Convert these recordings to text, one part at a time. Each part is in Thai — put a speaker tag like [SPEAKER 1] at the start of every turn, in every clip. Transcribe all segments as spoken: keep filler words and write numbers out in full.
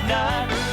[SPEAKER 1] นาน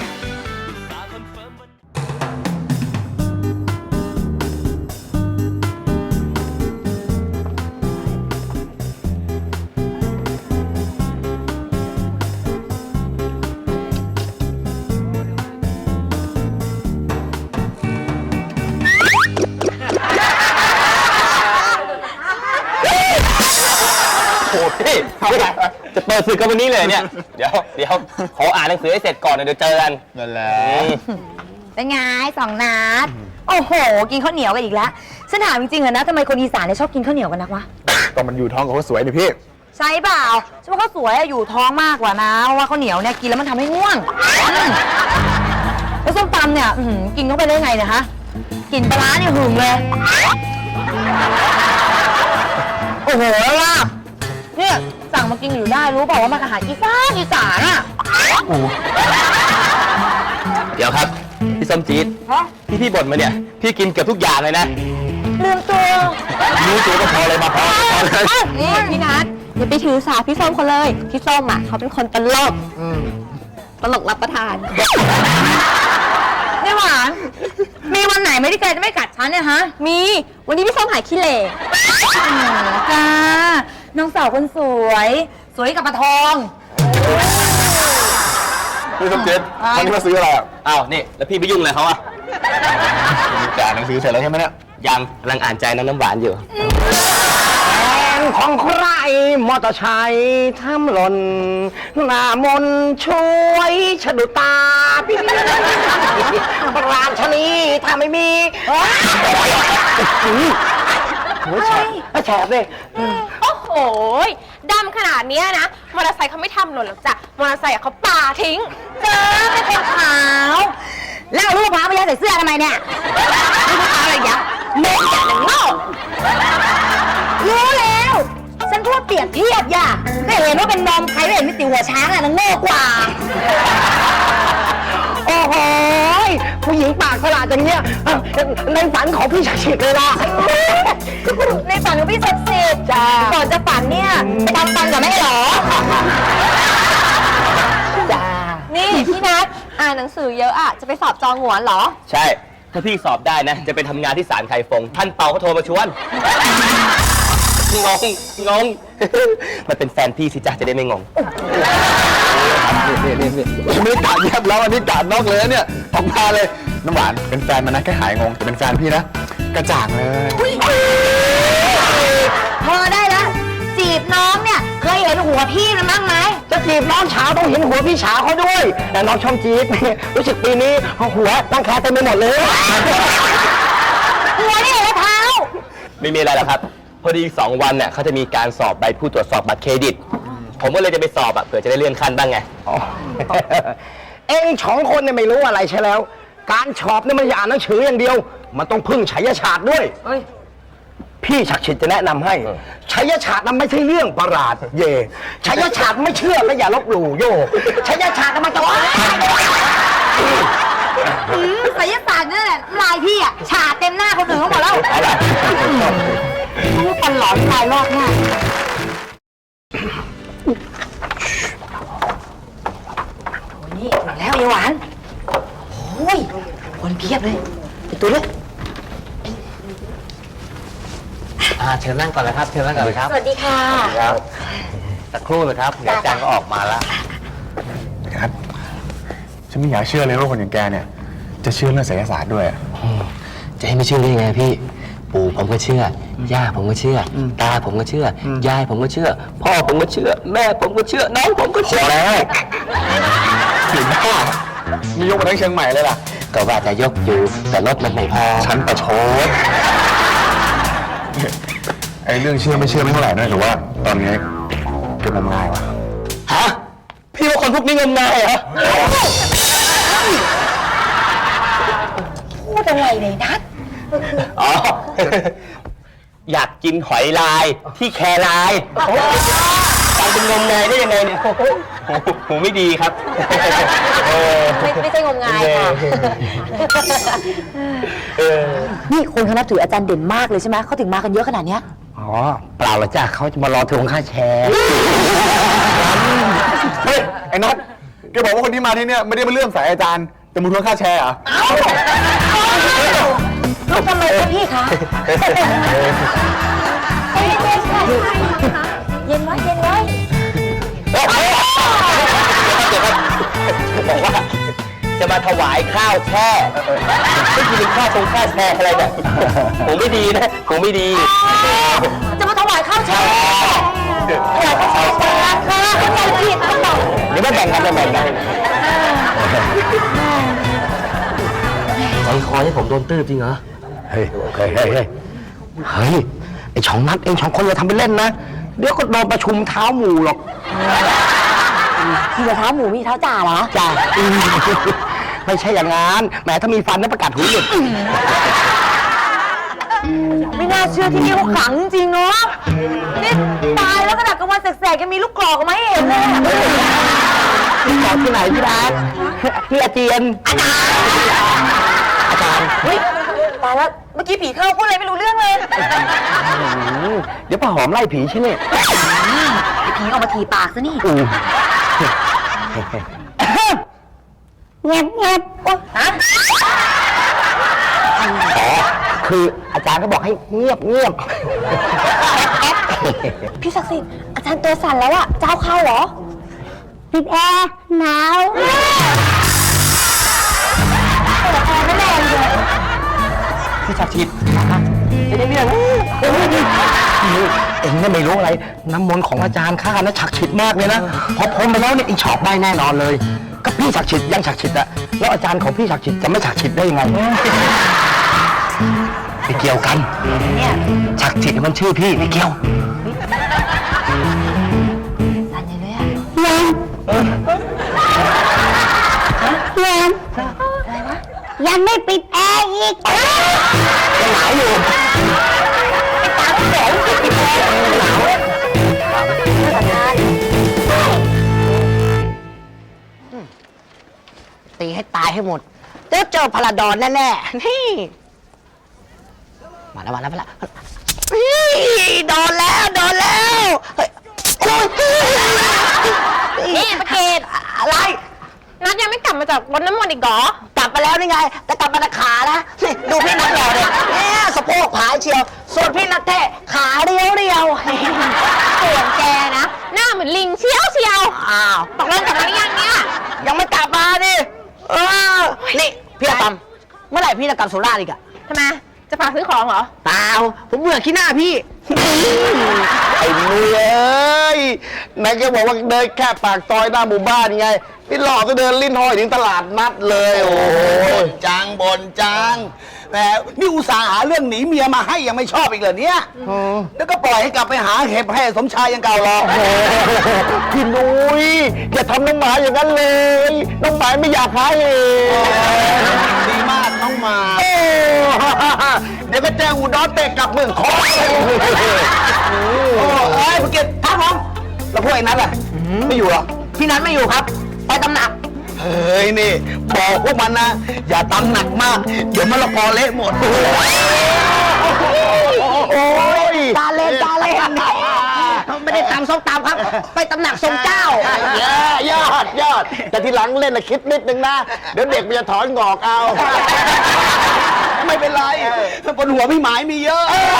[SPEAKER 2] โอ้พี่จะเปิดศึกกันวันนี้เลยเนี่ยเดี๋ยวเดี๋ยวขออ่านหนังสือให้เสร็จก่อนเดี๋ยวเจอกันนั่นแหละ
[SPEAKER 3] เป็นไงสองนัดโอ้โหกินข้าวเหนียวกันอีกแล้วฉันถามจริงๆเหรอนะทำไมคนอีสานเนี่ยชอบกินข้าวเหนียวกันนักวะ
[SPEAKER 4] ก็มันอยู่ท้องของเขาสวยนี่พี่
[SPEAKER 3] ใช่เปล่าฉันว่าเขาสวยอยู่ท้องมากกว่านะเพราะว่าข้าวเหนียวเนี่ยกินแล้วมันทำให้ง่วงแล้วส้มตำเนี่ยกินเข้าไปได้ไงเนี่ยฮะกินปลาเนี่ยหึงเลยโอ้โหลาบเนี่ยสั่งมากินอยู่ได้รู้เปล่าว่ามันอาหารอีสานอีสานอ่ะ
[SPEAKER 2] เดี๋ยวครับพี่ส้มจี๊ดที่พี่บ่นมาเนี่ยพี่กินเกือบทุกอย่างเลยนะ
[SPEAKER 3] ลืมตัว
[SPEAKER 2] รู้ตัวก็พอเลยมาพอ
[SPEAKER 5] นี่พี่นัทอย่าไปถือสาพี่ส้มเขาเลยพี่ส้มอ่ะเขาเป็นคนตลกตลกรับประทาน
[SPEAKER 3] นี่หวานมีวันไหนไม่ได้แกจะไม่กัดฉันเนี่ยฮะ
[SPEAKER 5] มีวันนี้พี่ส้มหายขี้เหร่
[SPEAKER 3] จ้าน้องสาวคนสวยสวยกับปลาทอง
[SPEAKER 4] พี่ส้มจี๊ดวันนี้มาซื้ออะไรอ่ะ
[SPEAKER 2] อ้าวนี่แล้วพี่ไปยุ่งอะไรเขาอ่ะ
[SPEAKER 4] จ่ายหนังสือเสร็จแล้วใช่ไหมเนี่ย
[SPEAKER 2] ยังกำลังอ่านใจน้องน้ำหวานอยู่
[SPEAKER 6] แฟนของใครมอเตอร์ไซค์ทำหล่นหน้ามนช่วยฉดุตาพี่ปราชนีถ้าไม่มีโอ้ยแฉบแฉบเลย
[SPEAKER 5] โอ้โหดำขนาดนี้นะมอเตอร์ไซค์เขาไม่ทำหล่นหรอกจ้ะมอเตอร์ไซค์เขาปาทิ้ง
[SPEAKER 3] เจอไม่เป็นขาวแล้วลูกพาไปยัดใส่เสื้อทำไมเนี่ย
[SPEAKER 5] ลูกพาอะไรยะเมย์จัดหนังโง่
[SPEAKER 3] รู้แล้วฉันพูดเปรียบเทียบอย่าก็เห็นว่าเป็นนมใครไม่เห็นมีติวหัวช้างอะนังโง่กว่า
[SPEAKER 6] โอ้โหผู้หญิงปากฉลาดอย่างเงี้ยในฝันของพี่ชักฉิดเลยล่ะ
[SPEAKER 3] ในฝันของพี่ศักดิ์สิทธิ์จ้าก่อนจะฝันเนี่ยไปทำฟันกับแม่หรอ
[SPEAKER 5] จ้านี่พี่นัทอ่านหนังสือเยอะอะจะไปสอบจองหัวเหรอ
[SPEAKER 2] ใช่ถ้าพี่สอบได้นะจะไปทำงานที่ศาลไคฟงท่านเปาเขาโทรมาชวนงงงงมันเป็นแฟนพี่สิจ๊ะจะได้ไม่งง
[SPEAKER 4] นี่นี่นี่ไม่กาดเยียบแล้วอันนี้กาดนอกเลยเนี่ยออกมาเลยน้ำหวานเป็นแฟนมันนะแค่หายงงแต่เป็นแฟนพี่นะกระจ่างเลย
[SPEAKER 3] พอได้แล้วจีบน้องเนี่ยเคยเห็นหัวพี่มันบ้างไหม
[SPEAKER 6] จะจีบน้องเช้าต้องเห็นหัวพี่เช้าเขาด้วยแต่น้องช่องจี๊ดรู้สึกปีนี้หัวตั้งแค่เต็มไปหมดเลย
[SPEAKER 3] หัวนี่เหรอเท้า
[SPEAKER 2] ไม่มีอะไรหรอกครับพอดีอีกสองวันเนี่ยเขาจะมีการสอบใบผู้ตรวจสอบบัตรเครดิตผมก็เลยจะไปสอบอ่ะเผื่อจะได้เลื่อนขั้นบ้างไง
[SPEAKER 6] เอ็งสองคนเนี่ยไม่รู้อะไรใช่แล้วการสอบเนี่ยมันอย่าอ่านหนังสืออย่างเดียวมันต้องพึ่งไฉยฉาดด้วยพี่ชักฉิดจะแนะนำให้ไฉยฉาดนั้นไม่ใช่เรื่องประหลาดเย่ไฉยฉาดไม่เชื่อและอย่าลบหลู่โยไฉยฉาดมันจะว่า
[SPEAKER 3] ไสยศาสตร์นั่นแหละลายพี่อ่ะฉาดเต็มหน้าคนอื่นเขาหมดแล้วรู้ตลอดลายรอบหน้านี่ถึงแล้วยายหวานโอ้ยคนเพียบเลยไปตัวเลย
[SPEAKER 2] อ่าเชิญนั่งก่อนเลยครับเชิญนั่งก่อนเลยครับ
[SPEAKER 3] สวัสดีค่ะ
[SPEAKER 2] ครับสักครู่นะครับเดี๋ยวอาจารย์ก็ออกมาแล้ว
[SPEAKER 4] ครับฉันไม่อยากเชื่อเลยว่าคนอย่างแกเนี่ยจะเชื่อเรื่องไสยศาสตร์ด้วย
[SPEAKER 2] จะให้ไม่เชื่อได้ยังไงพี่ปู่ผมก็เชื่อย่าผมก็เชื่อตาผมก็เชื่อยายผมก็เชื่อพ่อผมก็เชื่อแม่ผมก็เชื่อน้องผมก็เชื่อ
[SPEAKER 4] แล้วถึงพ่อมียกมาทั้งเชียงใหม่เลยล่ะ
[SPEAKER 2] ก็ว่าจะยกอยู่แต่รถมันไม่พอ
[SPEAKER 4] ฉันประชดไอ้เรื่องเชื่อไม่เชื่อไม่เท่าไหร่นะแต่ว่าตอนนี้เป็นงมงายวะ
[SPEAKER 2] ฮะพี่ว่าคนพวกนี้งมงายเหรอ
[SPEAKER 3] พูดอะไรเลยนัท
[SPEAKER 2] อ๋ออยากกินหอยลายที่แคลายการเป็นงมงายได้ยังไงเนี่ยหูไม่ดีครับ
[SPEAKER 5] ไม่ไม่ใช่งมงายค่ะ
[SPEAKER 3] นี่คนเขานับถืออาจารย์เด่นมากเลยใช่ไหมเขาถึงมากันเยอะขนาดเนี้ย
[SPEAKER 6] อ๋อเปล่าหรอกจ้ะเขาจะมารอทวงค่าแชร์
[SPEAKER 4] เฮ้ยไอ้นัทแกแกบอกว่าคนที่มาที่เนี่ยไม่ได้มาเลื่อมใสอาจารย์แต่มาทวงค่าแชร์เหรอ
[SPEAKER 3] ลูกทำไมคะพี่คะเย็นไว้เย็นไว้
[SPEAKER 2] บอกว่าจะมาถวายข้าวแช่ไม่กินข้าวตรงข้าวแช่อะไรแบบผมไม่ดีนะผมไม่ดี
[SPEAKER 3] จะมาถวายข้าวแช่ถวายข้าวแช่ค่ะเข้าใจผิดนะบอก
[SPEAKER 2] เดี๋ยวมาแบ่งกันแบ่งกันใจคอให้ผมโดนตื้อจริงเหรอ
[SPEAKER 6] เฮ้ยเฮ้ยเฮ้ยเฮ้ยเฮ้ยไอช่องนัดเองช่องคนอย่าทำเป็นเล่นนะเดี๋ยวก็โดนประชุมเท้าหมู่หรอก
[SPEAKER 3] มีแต่เท้าหมูมีเท้าจ่าเหรอ
[SPEAKER 6] จ้าไม่ใช่อย่างงั้นแหมถ้ามีฟันน่าประกาศหูหลุด
[SPEAKER 3] ไม่น่าเชื่อที่นี่เขาขลังจริงเนาะนี่ตายแล้วขนาดกลางวันแสกๆยังมีลูกกรอกออกมาให้เห็นเลย
[SPEAKER 6] พี่ขอที่ไหนพี่รักพี่อาเจียนอาจารย์
[SPEAKER 3] เฮ้ยตายแล้วเมื่อกี้ผีเข้าพูดอะไรไม่รู้เรื่องเลย
[SPEAKER 6] เดี๋ยวป้าหอมไล่ผีใช่ไหม
[SPEAKER 3] ผีออกมาถีปากซะนี่
[SPEAKER 6] เงียบเงียบ
[SPEAKER 3] ฮะ
[SPEAKER 6] อ๋อคืออาจารย์ก็บอกให้เงียบเงียบ
[SPEAKER 5] พี่ศักดิ์สิทธิ์อาจารย์ตัวสั่นแล้วอะเจ้าเข้าเหรอ
[SPEAKER 3] ปิดแอร์หนาวเปิดแอร์ไม่แรงเลย
[SPEAKER 6] พี่ชักชิดไม่ได้เรื่องเอ็งเนี่ยไม่รู้อะไร น้ำมนต์ของอาจารย์ข้านะฉักฉิดมากเลยนะ พอพ้นไปแล้วเนี่ยอีฉอบได้แน่นอนเลย ก็พี่ฉักฉิดยังฉักฉิดอะแล้วอาจารย์ของพี่ฉักฉิดจะไม่ฉักฉิดได้ยังไงไม่เกี่ยวกันเนี่ยฉักฉิดมันชื่อพี่ไม่เกี่ยว
[SPEAKER 3] สั่นใหญ่เลยอะ
[SPEAKER 5] ยังไม่ปิดแอร์อีก
[SPEAKER 6] ยังหนาวอยู่
[SPEAKER 1] ตีให้ตายให้หมดเดี๋ยวเจอพลาดอนแน่ๆ นี่ มาแล้วมาแล้วมาแล้วนี่โดนแล้วโดนแล้วเฮ้ยโอ้ย
[SPEAKER 5] นี่ประเกศ
[SPEAKER 1] อะไร
[SPEAKER 5] นัดยังไม่กลับมาจากรดน้ำมนต์อีกเหรอ
[SPEAKER 1] กลับมาแล้วนี่ไง แต่กลับมาแต่ขานะนี่ดูพี่นัทหล่อเลยเนี่ยสะโพกผายเชียว ส่วนพี่นัทเท่ขาเรียวเรียว
[SPEAKER 5] ส่วนแกนะ หน้าเหมือนลิงเชียวเชียว
[SPEAKER 1] อ้าว
[SPEAKER 5] ตกลงกลับมาหรือยังเนี่ย
[SPEAKER 1] ยังไม่กลับมาดิเออนี่พี่อาตอมเมื่อไหร่พี่จะกลับสุราษฎร์อีกอะ
[SPEAKER 5] ทำไม จะฝากซื้อของเหรอ
[SPEAKER 1] เปล่าผมเบื่อขี้หน้าพี่
[SPEAKER 6] ไอ้นุ้ยเอ้ยไหนแกบอกว่าเดินแค่ปากซอยหน้าหมู่บ้านไงพี่หลอกก็เดินลิ้นห้อยถึงตลาดนัดเลย โอ้ย
[SPEAKER 7] จังบนจังแหมนี่อุตส่าห์หาเรื่องหนีเมียมาให้ยังไม่ชอบอีกเหรอเนี่ยแล้วก็ปล่อยให้กลับไปหาเห็บให้สมชายยังเก่าหรอก
[SPEAKER 6] พี่นุ้ยอย่าทำน้องหมาอย่างนั้นเลย น้องหมาไม่อยากหาเอง
[SPEAKER 7] ดีมากน้องหมา
[SPEAKER 6] โอ้เดี๋ยวก็แจ้งอุดรเตะกลับเมืองคองโอ้เอ้ยภูเก็ตครับผมแล้วพวกไอ้นั้นล่ะไม่อยู่หรอ
[SPEAKER 1] พี่นัทไม่อยู่ครับ ไปตำหนัก
[SPEAKER 7] เฮ้ยนี่บอกพวกมันนะ อย่าตำหนักมาก เดี๋ยวมะละกอเละหมด
[SPEAKER 6] โอ้ย
[SPEAKER 1] ตาเล่นตาเล่นไม่ได้ตำส้มตำครับ ไปตำหนักทรงเจ้า
[SPEAKER 6] เย้ยอดยอดแต่ทีหลังเล่นนะคิดนิดนึงนะ เดี๋ยวเด็กมันจะถอนงอกเอา
[SPEAKER 7] ไม่เป็นไรบนหัวพี่หมายมีเยอะ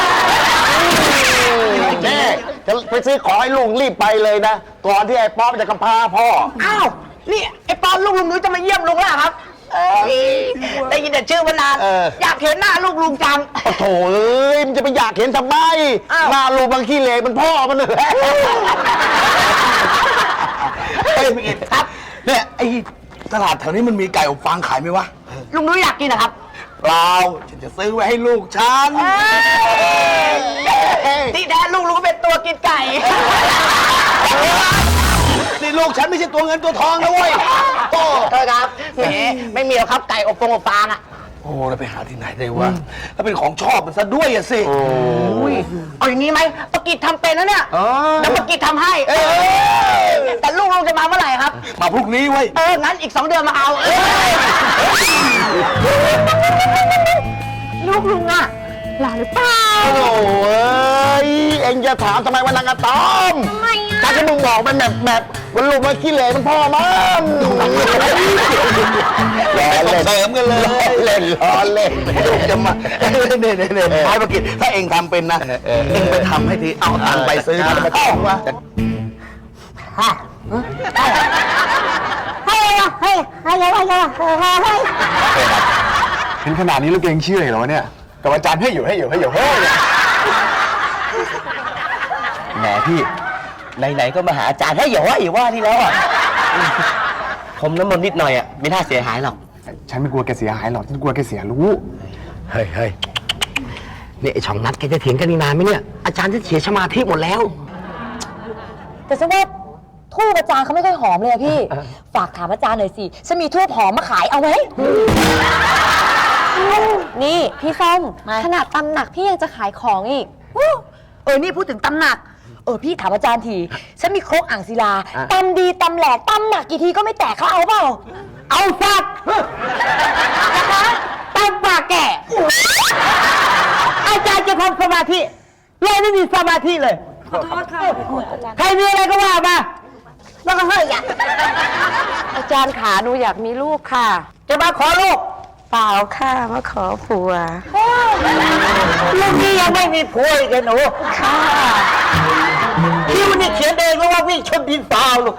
[SPEAKER 6] แม่จะไปซื้อของให้ลุงรีบไปเลยนะ ก่อนที่ไอ้ป๊อปจะกำพร้าพ่อ
[SPEAKER 1] อ้าว นี่ไอ้ปอนลูกลุงนุ้ยจะมาเยี่ยมลุงแล้วเหรอครับเอ้ยได้ยินแต่ชื่อมานาน
[SPEAKER 6] เออ
[SPEAKER 1] อยากเห็นหน้าลูกลุงจัง
[SPEAKER 6] โอ้โถเอ้ยมันจะไปอยากเห็นทำไม
[SPEAKER 1] อ้าว
[SPEAKER 6] หน้าลูกบางขี้เหร่มันพ่อมันเลย
[SPEAKER 7] เฮ้ยพี่กิตครับเนี่ยไอ้ตลาดแถวนี้มันมีไก่อบฟางขายไหมวะ
[SPEAKER 1] ลุงนุ้ยอยากกินนะครับ
[SPEAKER 7] เปล่าฉันจะซื้อไว้ให้ลูกฉัน
[SPEAKER 1] ที่แท้ลูกลุงก็เป็นตัวกินไก่
[SPEAKER 7] นี่ลูกฉันไม่ใช่ตัวเงินตัวทองนะเว้ยโอ้
[SPEAKER 1] โทษครับแหมไม่มีหรอกครับไก่อบฟงอบฟางอ่ะ
[SPEAKER 7] โหแล้วไปหาที่ไหนได้วะแล้วเป็นของชอบมันซะด้วยอะสิ
[SPEAKER 1] อุ้ยเอาอย่างนี้ไหมปกิจทำเป็นนะเนี่ย
[SPEAKER 7] อ๋อ
[SPEAKER 1] เดี๋ยวปกิจทำให้
[SPEAKER 7] เอ้ย
[SPEAKER 1] แต่ลูกลุงจะมาเมื่อไหร่ครับ
[SPEAKER 7] มาพรุ่งนี้เว้ย
[SPEAKER 1] เออ งั้นอีกสองเดือนมาเอาเอ้ย
[SPEAKER 5] ลูกลุงอะหล่อหรือเปล่า
[SPEAKER 6] โอ้ยเอ็งจะถามทำไมวันนางอะตอม
[SPEAKER 5] ทำไมอะ
[SPEAKER 6] ถ้าที่มึงบอกมันแบบแบบวันลูกมันขี้เหร่มันพ่อมันล้อเล่น
[SPEAKER 7] เสริมกันเลย
[SPEAKER 6] เล่นล้อเล่น
[SPEAKER 7] จะมาเนี่ยเนี่ยเนี่ยท้ายประกิจถ้าเองทำเป็นนะเองไปทำให้ทีเอาตังค์ไปซื้อมาเข้ามา
[SPEAKER 1] ให้ให้ให้ให้ให้ให้ให้
[SPEAKER 4] เห็นขนาดนี้ลูกเองเชื่อเหรอวะเนี่ยกับอาจารย์ให้อยู่ให้อยู่ให้อยู่เฮ้ยเนี่ย
[SPEAKER 2] แหมพี่ไหนๆก็มาหาอาจารย์ให้อย่าว่าอย่าว่าที่แล้วอ่ะผมน้ำมนต์นิดหน่อยอ่ะไม่น่าเสียหายหรอก
[SPEAKER 4] ฉันไม่กลัวแกเสียหายหรอกฉันกลัวแกเสียรู้
[SPEAKER 6] เฮ้ยเฮ้ยนี่ไอช่องนัดแกจะเถียงกันอีกนานไหมเนี่ยอาจารย์จะเสียสมาธิหมดแล้ว
[SPEAKER 3] แต่ฉันว่าทูบอาจารย์เขาไม่ค่อยหอมเลยอะพี่ ฝากถามอาจารย์หน่อยสิฉันมีทูบหอมมาขายเอาไหม
[SPEAKER 5] นี่พี่ส้มขนาดตำหนักพี่ยังจะขายของอีก
[SPEAKER 3] เออนี่พูดถึงตำหนักเออพี่ถามอาจารย์ทีฉันมีครกอ่างศิลาตำดีตำแหลกตำหนักกี่ทีก็ไม่แตกเขาเอาเปล่าเอาสักนะคะตำปากแก่อาจารย์จะทำสมาธิเลยไม่มีสมาธิเลยขอโทษค่ะใครมีอะไรก็ว่ามาแล้วก็เฮ้ยอ่ะ
[SPEAKER 5] อาจารย์ขาหนูอยากมีลูกค่ะ
[SPEAKER 3] จะมาขอลูก
[SPEAKER 5] เปล่าค่ะมาขอผัว
[SPEAKER 3] ลูกนี้ยังไม่มีผัวอีกเลยหนูค่ะคิวนี่เขียนเองแล้วว่าวิ่งชนดินเปล่าลูก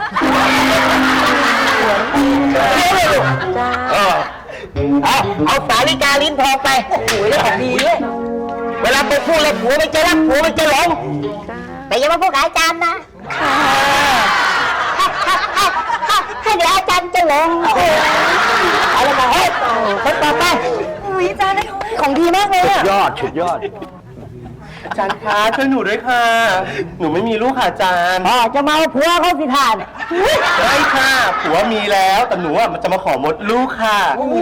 [SPEAKER 3] เขียนเลยลูก
[SPEAKER 5] จ้า
[SPEAKER 3] เอาเอาสาลิกาลิ้นทองไปโอ้โหแล้วของดีเลยเวลาไปพูดเลยผัวไม่จะรักผัวไม่จะหลงแต่อย่ามาพูดกับอาจารย์นะให้เดี๋ยวอาจารย์จะหลงเอาละมาเฮ้ยคนต่อไปอาจารย์ได้ของดีมากเลยอะ
[SPEAKER 6] ยอดสุดยอด
[SPEAKER 2] อาจารย์คะช่วยหนูด้วยค่ะ หนูไม่มีลูกค่ะอาจารย์
[SPEAKER 3] อ๋อจะมาเอาผัวเขาสิทาน
[SPEAKER 2] ไม่ค่ะผัวมีแล้วแต่หนูอ่ะมันจะมาขอมดลูกค่ะ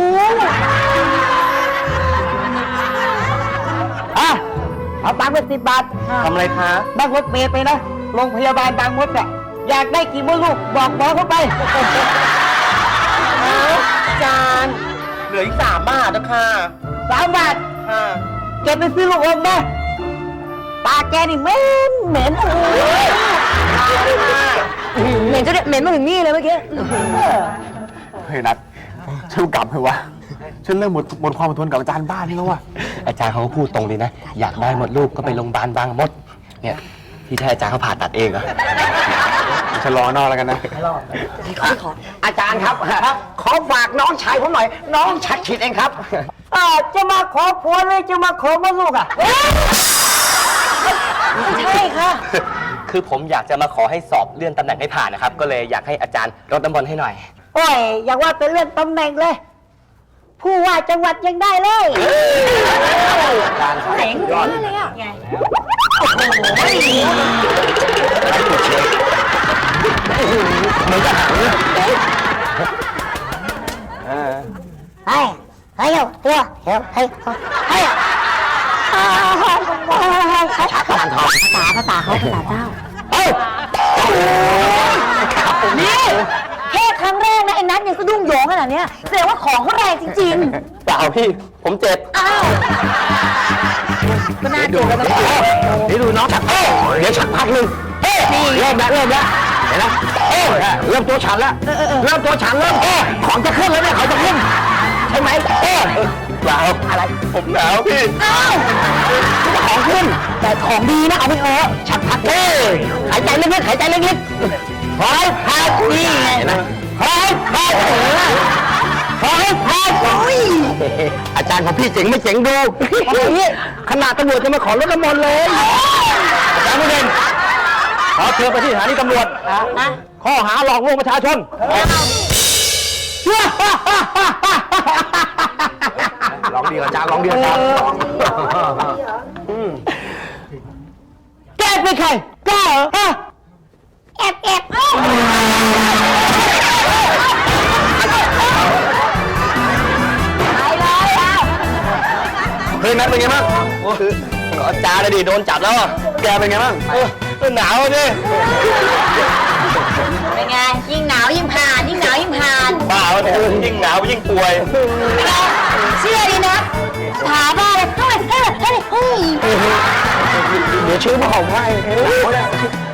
[SPEAKER 3] อ่ะเอาตังค์ไปสิบบาท
[SPEAKER 2] ทำอะไรคะ
[SPEAKER 3] นั่งรถเมล์ไปนะโรงพยาบาลบางมดอะอยากได้กี่มดลูกบอกหมอเข้าไป
[SPEAKER 2] อาจารย์เหลืออีกสามบาทนะค่ะ
[SPEAKER 3] สามบาท
[SPEAKER 2] ค่ะ
[SPEAKER 3] เก็บไปซื้อลูกอมนะปากแกนี่เหม็นเหม็นเหม็นจะเหม็นมาถึงนี่เลยเมื่อกี้
[SPEAKER 4] เฮ้ยนัดฉันกลับเถอะวะฉันเริ่มหมดหมดความอดทนกับอาจารย์บ้านนี่แล้ววะ
[SPEAKER 2] อาจารย์เขาก็พูดตรงเลยนะ อยากได้มดลูกก็ไปโรงพยาบาลบางมด เนี่ยที่แท้อาจารย์เขาผ่าตัดเองเหรอ
[SPEAKER 4] ฉันรอนอกแล้วกันนะ
[SPEAKER 6] อาจารย์ครับขอฝากน้องชายผมหน่อย น้องชัดฉิดเองครับ
[SPEAKER 3] อ่าจะมาขอผัวเลยจะมาขอมดลูกอ่ะใช่ค่ะ
[SPEAKER 2] คือผมอยากจะมาขอให้สอบเลื่อนตำแหน่งให้ผ่านนะครับ ก็เลยอยากให้อาจารย์รดน้ำมนต์ให้หน่อย
[SPEAKER 3] โอ้ยอยากว่าเป็นเรื่องตำแหน่งเลย ผู้ว่าจังหวัดยังได้เลยเจ๋งเลยอ่ะไง ให้ให้เอาตัวเฮ้ยให้ให้ชักกานทองภาษาภาษาเขาภาษาเจ้าเฮ้ยนี่แค่ครั้งแรกนะไอ้นัทยังสะดุ้งโยงขนาดเนี้ยแสดงว่าของเขาแรงจริง
[SPEAKER 2] เปล่าพี่ ผมเจ็บ
[SPEAKER 3] ๆ อ้าวก็น่าดูกันนะ
[SPEAKER 6] นี่ดูน้องชักเอ้ยเดี๋ยวชักพักหนึ่งเอ้ยเริ่มแล้วเริ่มแล้วเห็นไหมเอ้ยเริ่มตัวฉันแล้วเริ่มตัวฉันเริ่มเอ้ยของจะขึ้นแล้วเนี่ยของจะขึ้นใช่ไหมเอ้ย
[SPEAKER 2] เปล่าอะไร ผมหนาวพี่
[SPEAKER 3] อ้าวของขึ้น แต่ของดีนะเอาไปเถอะชักพักเอ้ยหายใจลึกๆหายใจลึกๆหายพักนี่ไงหายพักหายพักโอ้ย
[SPEAKER 6] อาจารย์ของพี่เจ๋งไม่เจ๋งดูขนาดตำรวจจะมาขอรถน้ำมนต์เลยอาจารย์ไม่เด่นขอเชิญไปที่สถานีตำรวจข้อหาหลอกลวงประชาชนลองดีอาจารย์ลองดีอาจารย์
[SPEAKER 3] แกเป็นใครกล้าเหรอฮะแอบแอบเอ้า
[SPEAKER 6] เฮ้ยนัทเป็นไงบ้าง
[SPEAKER 2] อาจารย์นะดิโดนจับแล้วอะ
[SPEAKER 6] แกเป็นไงบ้าง
[SPEAKER 2] เออหนาวดิ
[SPEAKER 3] เป็นไงยิ่งหนาวยิ่งผ่านยิ่งหนาวยิ่งผ่าน
[SPEAKER 2] บ้าวะเนี่ยยิ่งหนาวยิ่งป่วย
[SPEAKER 3] เชื่อดีนะถามว่าอะไรเฮ้ยเฮ้ยเฮ้ยเฮ้ย
[SPEAKER 6] เดี๋ยวชื่อมาของให้